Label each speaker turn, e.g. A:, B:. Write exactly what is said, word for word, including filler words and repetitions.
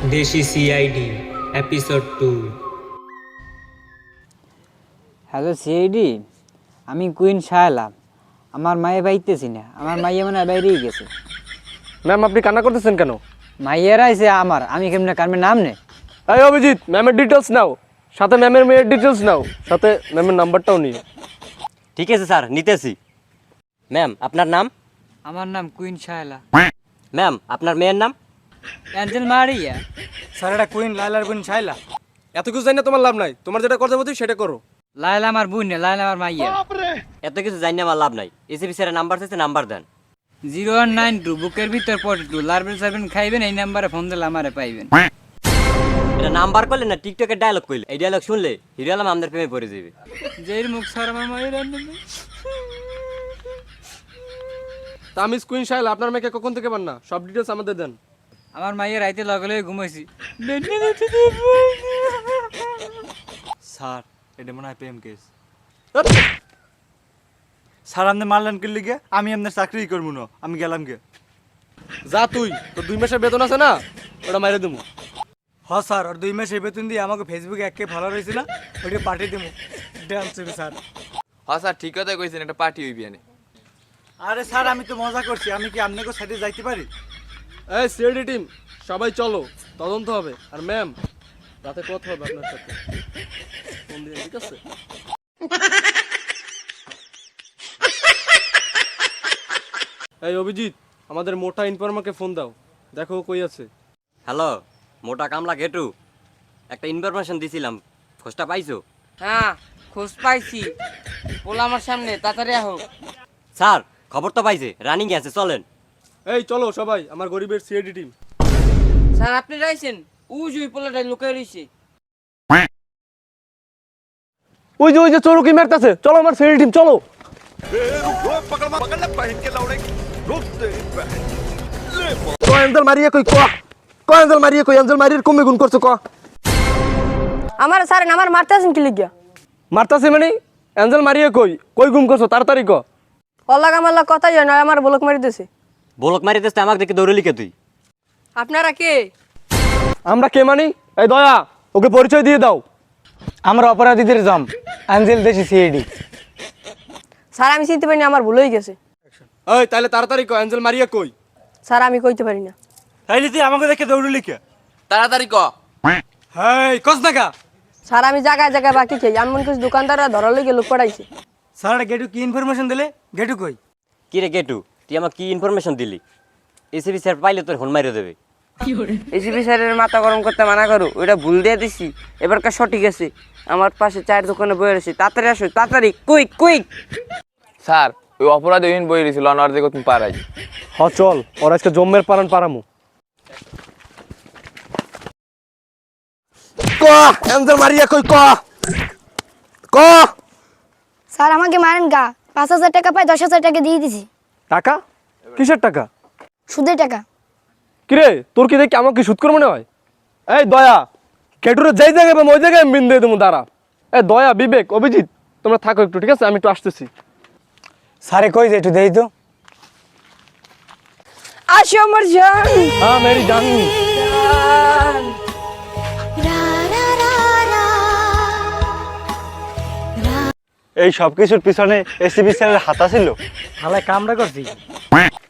A: দেশি CID episode two.
B: Hello CID, আমি queen Shaila. আমার মায়ে বাইতেছি না, আমার মাইয়া মানে বাইরেই গেছে।
C: ম্যাম আপনি কান্না করতেছেন কেন?
B: মাইয়ারা আইছে আমার, আমি কেমনে কারমের নাম নে।
C: এই অভিজিৎ, ম্যামের ডিটেলস নাও, সাথে ম্যামের মেয়ের ডিটেলস নাও, সাথে ম্যামের নাম্বারটাও নিও।
D: ঠিক আছে স্যার, নিতেছি। ম্যাম আপনার নাম?
B: আমার নাম কুইন শায়লা।
D: ম্যাম আপনার মেয়ের নাম?
B: Angel Maria.
E: স্যার এটা কুইন লাইলার বোন শাইলা।
C: এত কিছু জানি না, তোমার লাভ নাই। তোমার যেটা করতে বলছি সেটা করো।
B: লায়লা আমার বোন না, লায়লা আমার মাইয়া।
D: এত কিছু জানি না, আমার লাভ নাই। এসিপি স্যারের নাম্বার চাইছে, নাম্বার দেন।
B: জিরো ওয়ান নাইন টু বুকের ভিতর পড়ে টু লার্বেল সার্বেন খাইবেন, এই নাম্বারে ফোন দিলে আমারে পাইবেন।
D: এটা নাম্বার করলে না টিকটকের ডায়লগ কইলে? এই ডায়লগ শুনলে হিরো আলম আমাদের প্রেমে পড়ে যাবে।
B: যের মুখ স্যার আমার মায়ের
C: তা আমি কুইন শাইলা, আপনার মেয়েকে কখন থেকে পান না, সব ডিটেলস আমাদের দেন।
B: আমার মাইয়া রাইতে লগে লগে ঘুমাইছি।
E: স্যার এটা মনে হয় প্রেম কেস। স্যার আপনি মারলেন কি লিগে? আমি আপনার চাকরি করবো না, আমি গেলাম গে।
C: যা তুই, তোর দুই মাসের বেতন আছে না, ওটা মাইরে দেবো।
E: হ স্যার, আর দুই মাসের বেতন দিয়ে আমাকে ফেসবুকে একে ভালো রয়েছে না, ওইটা পাঠিয়ে দেবো। Dance sir.
F: হ্যাঁ স্যার, ঠিক কথাই কইছেন, একটা পার্টি হইবি আনে।
E: আরে স্যার আমি তো মজা করছি, আমি কি আপনাকে সাইডে যাইতে পারি?
C: এই সিআইডি টিম সবাই চলো, তদন্ত হবে। আর ম্যাম রাতে কথা হবে আপনার সাথে, ফোন দিয়ে, ঠিক আছে? এই অভিজিৎ, আমাদের মোটা ইনফরমারকে ফোন দাও, দেখো ও কই আছে।
D: হ্যালো মোটা কামলা গেটু, একটা ইনফরমেশন দিছিলাম, খোঁজটা পাইছো?
G: হ্যাঁ খোঁজ পাইছি, পোলা আমার সামনে, তাড়াতাড়ি আহো।
D: স্যার খবর তো পাইছে, রানিং আছে, চলেন।
C: এই চলো সবাই, আমার গরিবের সিআইডি টিম।
G: স্যার আপনি রাইছেন, উজ ওই পোলাটাই লুকাই রইছে।
C: ওই যে ওই যে চোরকি মারতেছে, চলো আমার সিআইডি টিম চলো। কো এঞ্জেল মারিয়ে কই, ক কো এঞ্জেল মারিয়ে কই, এঞ্জেল মারিয়ে কমে গুণ করছো ক।
H: আমার স্যার আমার মারতে আছেন কি লিগা?
C: মারতাছে মানে এঞ্জেল মারিয়ে কই, কই গুম করছো তাড়াতাড়ি ক।
H: অল্লাগ আমার কথা জানো, আমার বলক মারি দিছে।
D: বলক মারি দিস, আমাকে দেখে দৌড়ে লিখে তুই।
H: আপনারা কে?
C: আমরা কে মানি? এই দয়া, ওকে পরিচয় দিয়ে দাও।
B: আমরা অপরাধীদের জম, অ্যাঞ্জেল দেশি সিআইডি।
H: স্যার আমি চিনতে পারিনি, আমার ভুল হয়ে গেছে।
C: এই তাহলে তাড়াতাড়ি ক, এঞ্জেল মারিয়ে কই।
H: স্যার আমি কইতে পারি না।
E: তাইলে তুই আমাকে দেখে দৌড়ে লিখে।
F: তাড়াতাড়ি ক।
E: হ্যাঁ কস দেখা।
H: স্যার আমি জায়গায় জায়গায় বাকি খাই, এমন কিছু দোকানদাররা ধরার লেগে লোক পড়াইছে।
E: স্যার গেটু কি ইনফরমেশন দিলে? গেটু কই?
D: কি রে গেটু, তুই আমাকে কি ইনফরমেশন দিলি? এসিপি স্যার পাইলে তোর ফোন মারিয়ে দেবে।
G: এসিপি স্যারের মাথা গরম করতে মানা করো, ওইটা ভুল দিয়ে দিছি, এবারকার সঠিক আছে। আমার পাশে চায়ের দোকানে বয়ে রয়েছে, তাড়াতাড়ি আসো, তাড়াতাড়ি, কুইক কুইক।
F: স্যার ওই অপরাধ ওইদিন বই দিয়েছিল, অনার দেখো তুমি পারাই।
C: হ চল, ওরা আজকে জম্মের পারান পারামু। ক এঞ্জেল মারিয়ে কই, ক ক।
H: স্যার আমাকে মারেন গা, পাঁচ হাজার টাকা পাই, দশ হাজার টাকা দিয়ে দিছি।
C: টাকা? কিসের টাকা?
H: সুদের টাকা।
C: কিরে তোর কি দেখি আমাকে সুদ করে মনে হয়? এই দয়া, কেটুরে যেই জায়গায় পাবো ওই জায়গায় আমি বিন দিয়ে দেবো, দাঁড়া। এই দয়া, বিবেক, অভিজিৎ তোমরা থাকো একটু, ঠিক আছে? আমি একটু আসতেছি।
B: স্যারে কই যে একটু দেই তো।
H: আসো আমার জান।
C: হ্যাঁ মেরি জান।
B: এই সব কিছুর পিছনে এসিপি স্যারের হাত ছিল।
E: হালাই কামড়া করছি।